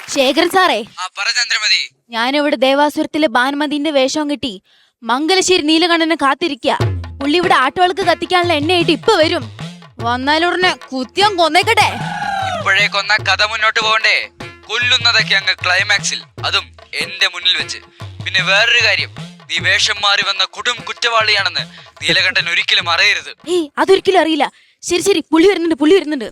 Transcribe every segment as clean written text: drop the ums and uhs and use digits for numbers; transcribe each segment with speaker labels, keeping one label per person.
Speaker 1: ശേഖരൻ സാറേ,
Speaker 2: ചന്ദ്രമതി,
Speaker 1: ഞാനിവിടെ ദേവാസുരത്തിലെ ഭാനുമതിന്റെ വേഷം കിട്ടി മംഗലശ്ശേരി നീലകണ്ഠനെ കാത്തിരിക്ക. പുള്ളി ഇവിടെ ആട്ടുവിളക്ക് കത്തിക്കാനുള്ള എണ്ണയായിട്ട് ഇപ്പൊ വരും. വന്നാലുടനെ കുത്തിയം കൊന്നേക്കട്ടെ.
Speaker 2: ഇപ്പോഴേ കൊന്ന കഥ മുന്നോട്ട് പോകണ്ടേ? കൊല്ലുന്നതൊക്കെ അങ്ങ് ക്ലൈമാക്സിൽ, അതും എന്റെ മുന്നിൽ വെച്ച്. പിന്നെ വേറൊരു കാര്യം, നീ വേഷം മാറി വന്ന കൊടും കുറ്റവാളിയാണെന്ന് നീലകണ്ഠൻ ഒരിക്കലും അറിയരുത്.
Speaker 1: ഏയ്, അതൊരിക്കലും അറിയില്ല. ശരി ശരി, പുള്ളി വരുന്നുണ്ട്, പുള്ളി വരുന്നുണ്ട്.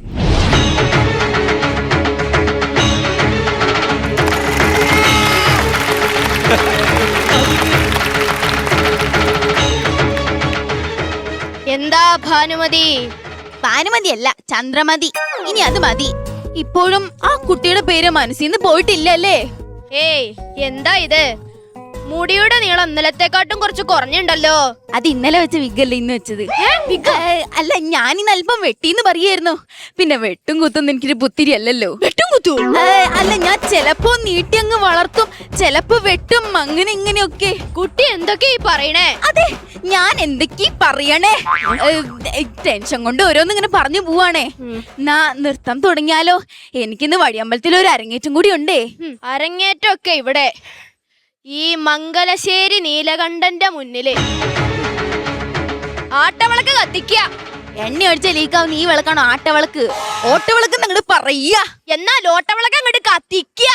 Speaker 3: എന്താ ഭാനുമതി?
Speaker 1: ഭാനുമതി അല്ല, ചന്ദ്രമതി. ഇനി അത് മതി. ഇപ്പോഴും ആ കുട്ടിയുടെ പേര് മനസ്സിന്ന് പോയിട്ടില്ലല്ലേ?
Speaker 3: ഏയ്, എന്താ ഇത്? മുടിയുടെ നീളം ഇന്നലത്തെക്കാട്ടും കുറച്ച് കുറഞ്ഞുണ്ടല്ലോ.
Speaker 1: അത് ഇന്നലെ വെച്ച വിഗല്ലേ ഇന്ന് വെച്ചത്? അല്ല, ഞാനിന്ന് അല്പം വെട്ടിന്ന് പറയായിരുന്നു. പിന്നെ വെട്ടും കുത്തും എനിക്കൊരു പുത്തിരി അല്ലല്ലോ.
Speaker 3: വെട്ടും കുത്തു?
Speaker 1: അല്ല, ഞാൻ ചെലപ്പോ നീട്ടി അങ്ങ് വളർത്തും, ചെലപ്പോ വെട്ടും, അങ്ങനെ ഇങ്ങനെയൊക്കെ.
Speaker 3: കുട്ടി എന്തൊക്കെയാ പറയണേ?
Speaker 1: അതെ, ഞാൻ എന്തൊക്കെയാ പറയണേ? ടെൻഷൻ കൊണ്ട് ഓരോന്ന് ഇങ്ങനെ പറഞ്ഞു പോവാണേ. നാ നൃത്തം തുടങ്ങിയാലോ? എനിക്കിന്ന് വഴിയമ്പലത്തിൽ ഒരു അരങ്ങേറ്റം കൂടി ഉണ്ടേ.
Speaker 3: അരങ്ങേറ്റമൊക്കെ ഇവിടെ ഈ മംഗലശ്ശേരി നീലകണ്ഠന്റെ മുന്നില് ആട്ടവിളക്ക് കത്തിക്ക.
Speaker 1: എണ്ണ അടിച്ച ലീക്കാവുന്ന ഈ വിളക്കാണോ ആട്ടവിളക്ക്? ഓട്ടവിളക്ക് അങ്ങോട്ട് പറയാ.
Speaker 3: എന്നാൽ ഓട്ടവിളക്ക് അങ്ങോട്ട് കത്തിക്ക.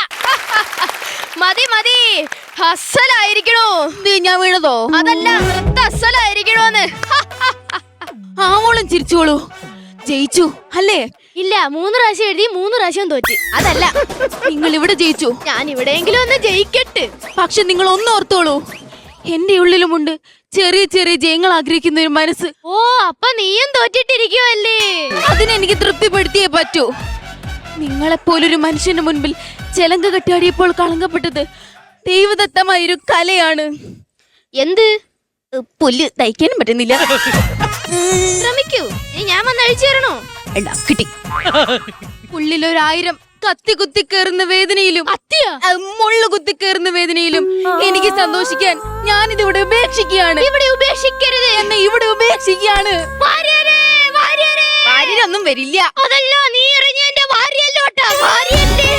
Speaker 3: മതി മതി, അസലായിരിക്കണോ?
Speaker 1: ഞാൻ വീണതോ?
Speaker 3: അതല്ല, നൃത്ത അസലായിരിക്കണോന്ന്.
Speaker 1: ആവോളം ചിരിച്ചോളൂ. ജയിച്ചു അല്ലേ?
Speaker 3: ഇല്ല, 3 പ്രാവശ്യം എഴുതി 3 പ്രാവശ്യം തോറ്റ്.
Speaker 1: അതല്ല, നിങ്ങൾ ഇവിടെ ജയിച്ചു.
Speaker 3: ഞാൻ ഇവിടെയെങ്കിലും ഒന്ന് ജയിക്കട്ടെ.
Speaker 1: പക്ഷെ നിങ്ങൾ ഒന്ന് ഓർത്തോളൂ, എന്റെ ഉള്ളിലുമുണ്ട് ചെറിയ ചെറിയ ജയങ്ങൾ ആഗ്രഹിക്കുന്ന ഒരു മനസ്സ്.
Speaker 3: ഓ, അപ്പൊ നീയും തോറ്റിട്ടിരിക്കുവല്ലേ?
Speaker 1: അതിനെനിക്ക് തൃപ്തിപ്പെടുത്തിയേ പറ്റൂ. നിങ്ങളെപ്പോലൊരു മനുഷ്യന്റെ മുൻപിൽ ചെലങ്ക കെട്ടിയാടിയപ്പോൾ കളങ്കപ്പെട്ടത് ദൈവദത്തമായൊരു കലയാണ്.
Speaker 3: എന്ത്?
Speaker 1: പുല്ല് തയ്ക്കാനും പറ്റുന്നില്ല.
Speaker 3: ശ്രമിക്കൂ, ഞാൻ വന്ന് അഴിച്ചു തരണോ?
Speaker 1: കിട്ടി. ഉള്ളിലൊരായിരം കത്തി കുത്തി കയറുന്ന വേദനയിലും മുള്ളു കുത്തി കയറുന്ന വേദനയിലും എനിക്ക് സന്തോഷിക്കാൻ ഞാനിതിവിടെ ഉപേക്ഷിക്കുകയാണ്.
Speaker 3: ഇവിടെ ഉപേക്ഷിക്കരുത്.
Speaker 1: എന്നെ ഇവിടെ ഉപേക്ഷിക്കുകയാണ്. ഭാര്യയൊന്നും വരില്ല.
Speaker 3: അതല്ല, നീ എറിഞ്ഞ എന്റെ ഭാര്യയല്ലോട്ടാ. ഭാര്യയല്ലേ?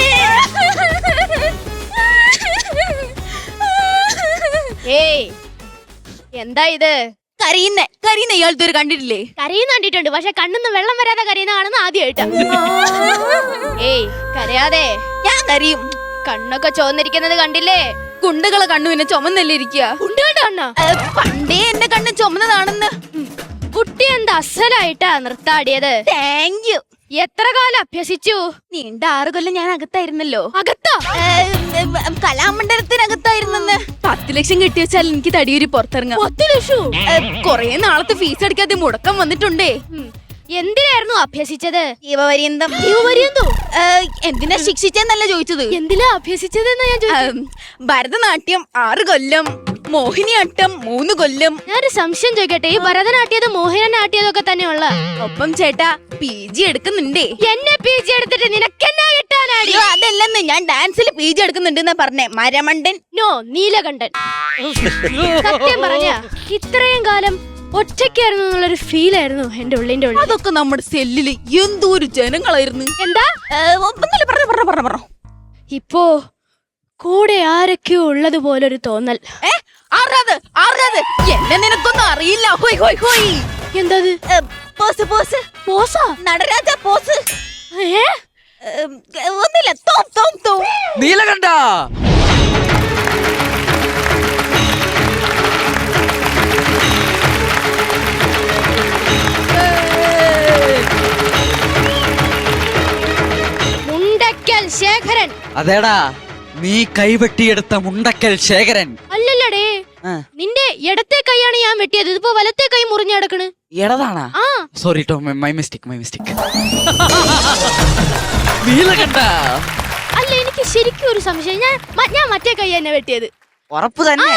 Speaker 3: ഏയ്, എന്താ ഇത്?
Speaker 1: കരയുന്ന ഇയാളത്തെ ഒരു കണ്ടിട്ടില്ലേ?
Speaker 3: കരയുന്ന കണ്ടിട്ടുണ്ട്, പക്ഷെ കണ്ണിന്ന് വെള്ളം വരാതെ കരയുന്ന കാണുന്ന ആദ്യമായിട്ടാ. ഏയ്, കരയാതെ.
Speaker 1: ഞാൻ കരയും.
Speaker 3: കണ്ണൊക്കെ ചോന്നിരിക്കുന്നത് കണ്ടില്ലേ?
Speaker 1: കുണ്ടകളെ കണ്ണു പിന്നെ ചുമന്നല്ലേ ഇരിക്കുക?
Speaker 3: കുണ്ടുകളുടെ കണ്ണാ?
Speaker 1: പണ്ടേ എന്റെ കണ്ണ് ചുമന്നതാണെന്ന്.
Speaker 3: കുട്ടി എന്താ അസലായിട്ടാ നൃത്താടിയത്.
Speaker 1: Thank you.
Speaker 3: എത്ര കാലം അഭ്യസിച്ചു?
Speaker 1: നീണ്ട 6 കൊല്ലം ഞാൻ അകത്തായിരുന്നല്ലോ.
Speaker 3: അകത്താ?
Speaker 1: കലാമണ്ഡലത്തിനകത്തായിരുന്നെന്ന്. 10 ലക്ഷം കിട്ടി വെച്ചാൽ എനിക്ക് തടിയൂരി പുറത്തിറങ്ങാം.
Speaker 3: 10 ലക്ഷം?
Speaker 1: കൊറേ നാളത്തെ ഫീസ് അടിക്കാതെ മുടക്കം വന്നിട്ടുണ്ടേ.
Speaker 3: എന്തിനായിരുന്നു അഭ്യസിച്ചത്?
Speaker 1: ജീവപര്യന്തം.
Speaker 3: ജീവപര്യന്തോ?
Speaker 1: എന്തിനാ ശിക്ഷിച്ചെന്നല്ല ചോദിച്ചത്.
Speaker 3: എന്തിനാ അഭ്യസിച്ചതെന്നാ ഞാൻ ചോദിച്ചത്.
Speaker 1: ഭരതനാട്യം 6 കൊല്ലം, മോഹിനിയാട്ടം 3 കൊല്ലം.
Speaker 3: ഞാനൊരു സംശയം ചോദിക്കട്ടെ, ഈ ഭരതനാട്യതും മോഹിനിയാട്ടിയതൊക്കെ തന്നെയുള്ള
Speaker 1: ഒപ്പം ചേട്ടാ PG എടുക്കുന്നുണ്ടേ.
Speaker 3: എന്നെ PG എടുത്തിട്ട് നിനക്കെന്നാ കിട്ടാനാടി?
Speaker 1: അതല്ലെന്ന്, ഞാൻ ഡാൻസിൽ PG എടുക്കുന്നുണ്ടെന്നാ പറഞ്ഞേ. മരമണ്ടൻ.
Speaker 3: നോ, നീലകണ്ഠൻ. സത്യം പറഞ്ഞ ഇത്രയും കാലം ഒറ്റയ്ക്കായിരുന്നു എന്നുള്ളൊരു ഫീലായിരുന്നു എന്റെ ഉള്ളിന്റെ ഉള്ളിൽ.
Speaker 1: അതൊക്കെ നമ്മുടെ സെല്ലില് എന്തോരു ജനങ്ങളായിരുന്നു.
Speaker 3: എന്താ?
Speaker 1: പറഞ്ഞു.
Speaker 3: ഇപ്പോ കൂടെ ആരൊക്കെയോ ഉള്ളത് പോലൊരു തോന്നൽ.
Speaker 1: എന്നെ നിനക്കൊന്നും അറിയില്ല. ഹോയ് ഹോയ് ഹോയ്.
Speaker 3: എന്തത്?
Speaker 1: പോസ് പോസ്
Speaker 3: പോസാ?
Speaker 1: നടരാജ പോസ്. ഒന്നില്ല.
Speaker 2: നീലകണ്ഠ,
Speaker 3: മുണ്ടക്കൽ ശേഖരൻ.
Speaker 2: അതേടാ, നീ കൈവെട്ടിയെടുത്ത മുണ്ടക്കൽ ശേഖരൻ.
Speaker 3: അല്ലല്ലടേ, നിന്റെ ഇടത്തെ കൈയാണ് ഞാൻ വെട്ടിയത്. ഇതിപ്പോ വലത്തെ കൈ മുറിഞ്ഞു കിടക്കണ്.
Speaker 2: എടതാണാ?
Speaker 3: ആ,
Speaker 2: സോറി ടോ, മൈ മിസ്റ്റേക്ക്. നീലകണ്ഠ,
Speaker 3: അല്ല, എനിക്ക് ശരിക്കും ഒരു സംശയം. ഞാൻ മറ്റേ കൈ തന്നെ വെട്ടിയത്.
Speaker 2: ഉറപ്പ് തന്നെ?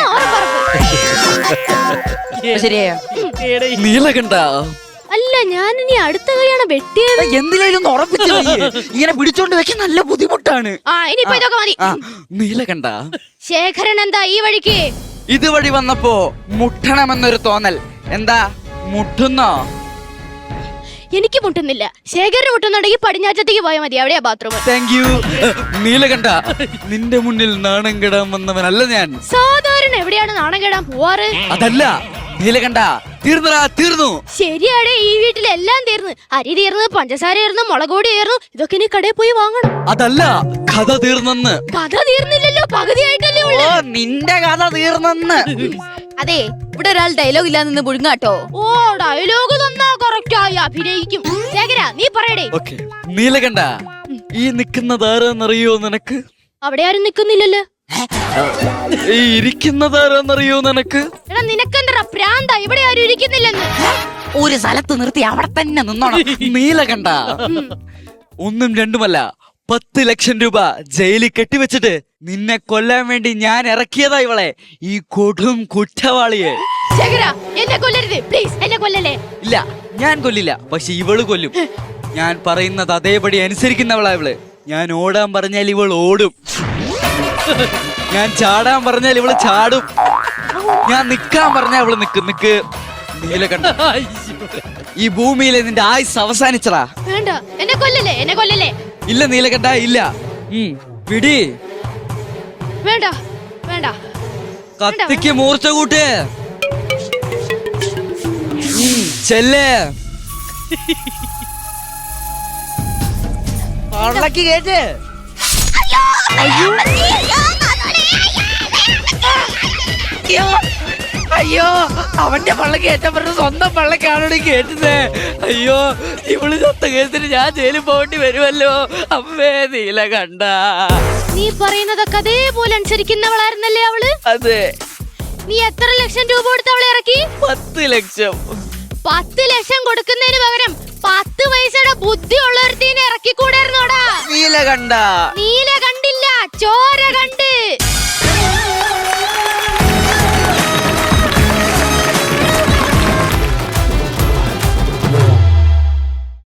Speaker 4: ശരിയായോ?
Speaker 2: നീലകണ്ഠ,
Speaker 3: അല്ല, ഞാൻ ഇനി അടുത്ത കൈയാണ് വെട്ടിയത്.
Speaker 2: എന്തിനും ഉറപ്പിച്ചു. ഇങ്ങനെ പിടിച്ചോണ്ട് വെക്കാൻ നല്ല ബുദ്ധിമുട്ടാണ്.
Speaker 3: ഇനിയിപ്പോ ഇതൊക്കെ മതി.
Speaker 2: നീലകണ്ഠ,
Speaker 3: ശേഖരൻ എന്താ ഈ വഴിക്ക്?
Speaker 2: ഇതുവഴി വന്നപ്പോ മുട്ടണമെന്നൊരു തോന്നൽ. എന്താ, മുട്ടുന്നോ?
Speaker 3: എനിക്ക് മുട്ടുന്നില്ല. ശേഖരന് മുട്ടുന്നുണ്ടെങ്കിൽ പടിഞ്ഞാറ്റത്തേക്ക് പോയാൽ മതി, എവിടെയാ ബാത്റൂം?
Speaker 2: Thank you. നീലകണ്ഠ, നിന്റെ മുന്നിൽ നാണം കെടാൻ വന്നവനല്ല ഞാൻ.
Speaker 3: സാധാരണ എവിടെയാണ് നാണം കെടാൻ പോവാറ്?
Speaker 2: അതല്ല നീലകണ്ഠ, തീർന്നടാ, തീർന്നു.
Speaker 3: ശരിയാടെ, ഈ വീട്ടിലെല്ലാം തീർന്ന്. അരി തീർന്ന്, പഞ്ചസാര തീർന്ന്, മുളക് പൊടി തീർന്നു. ഇതൊക്കെ ഇനി കടയിൽ പോയി വാങ്ങണം.
Speaker 2: അതല്ല, കഥ തീർന്നെന്ന്.
Speaker 3: കഥ തീർന്നില്ലല്ലോ, പകുതിയായിട്ടല്ലേ ഉള്ളൂ.
Speaker 2: നിന്റെ കഥ തീർന്നെന്ന്.
Speaker 1: അതെ, ഇവിടെ ഒരാൾ ഡയലോഗ് ഇല്ലാതെ നിന്ന് പുഴുങ്ങാട്ടോ.
Speaker 3: ഓ, ഡയലോഗ് തന്നാ കറക്റ്റ് ആയി അഭിനയിക്കും. ശേഖര, നീ പറയടേ.
Speaker 2: ഓക്കേ, നീലകണ്ഠ, ഈ നിൽക്കുന്നതാരെന്നറിയോ നിനക്ക്?
Speaker 3: അവിടെ ആരും നിക്കുന്നില്ലല്ലോ.
Speaker 2: ഈ ഇരിക്കുന്നതാരെന്നറിയോ നിനക്ക്?
Speaker 3: എടാ, നിനക്കെന്താ പ്രാന്ത? ഇവിടെ ആരും ഇരിക്കുന്നില്ലെന്ന്.
Speaker 1: ഒരു സ്ഥലത്ത് നിർത്തി അവിടെ തന്നെ നിന്നോണം.
Speaker 2: നീലകണ്ഠ, ഒന്നും രണ്ടുമല്ല, 10 ലക്ഷം രൂപ ജയിലിൽ കെട്ടിവെച്ചിട്ട് നിന്നെ കൊല്ലാൻ വേണ്ടി ഞാൻ ഇറക്കിയതാ ഇവളെ, ഈ കൊടും കുറ്റവാളിയെ.
Speaker 3: ശേഖര, എന്നെ കൊല്ലരുത് പ്ലീസ്, എന്നെ കൊല്ലല്ലേ.
Speaker 2: ഇല്ല, ഞാൻ കൊല്ലില്ല, പക്ഷെ ഇവള് കൊല്ലും. ഞാൻ പറയുന്നത് അതേപടി അനുസരിക്കുന്നവളാ ഇവള്. ഞാൻ ഓടാൻ പറഞ്ഞാൽ ഇവൾ ഓടും, ഞാൻ ചാടാൻ പറഞ്ഞാൽ ഇവള് ചാടും, ഞാൻ നിക്കാൻ പറഞ്ഞാൽ ഇവള് നിക്കും. നിക്ക് നീലകണ്ഠ, ഈ ഭൂമിയിലെ നിന്റെ ആയുസ് അവസാനിച്ചടാ.
Speaker 3: വേണ്ട, എന്നെ കൊല്ലല്ലേ, എന്നെ കൊല്ലല്ലേ.
Speaker 2: ഇല്ല നീലകണ്ഠ, ഇല്ല. പിടി.
Speaker 3: വേണ്ട വേണ്ട.
Speaker 2: കത്തിക്ക് മൂർച്ച കൂട്ട്. ചെല്ലേ പള്ളക്ക് കേട്ട്. അയ്യോ, അവന്റെ പള്ളക്ക് ഏറ്റവും പറഞ്ഞ സ്വന്തം പള്ളക്കാണോട് കേട്ടത്. അയ്യോ, ഇവള് ചത്ത കേസിന് ഞാൻ ജയിലിൽ പോകേണ്ടി വരുമല്ലോ. അമ്മേ നീലകണ്ഠ.
Speaker 3: നീ പറയുന്നതൊക്കെ അതേപോലെ അനുസരിക്കുന്നവളായിരുന്നല്ലേ അവള്?
Speaker 2: അതെ.
Speaker 3: നീ എത്ര ലക്ഷം രൂപ കൊടുത്ത് അവളെ ഇറക്കി?
Speaker 2: 10 ലക്ഷം.
Speaker 3: 10 ലക്ഷം കൊടുക്കുന്നതിന് പകരം 10 പൈസയുടെ ബുദ്ധി ഉള്ളവരുത്തീനെ ഇറക്കിക്കൂടായിരുന്നോടാ?
Speaker 2: നീല കണ്ട
Speaker 3: നീല കണ്ടില്ല, ചോര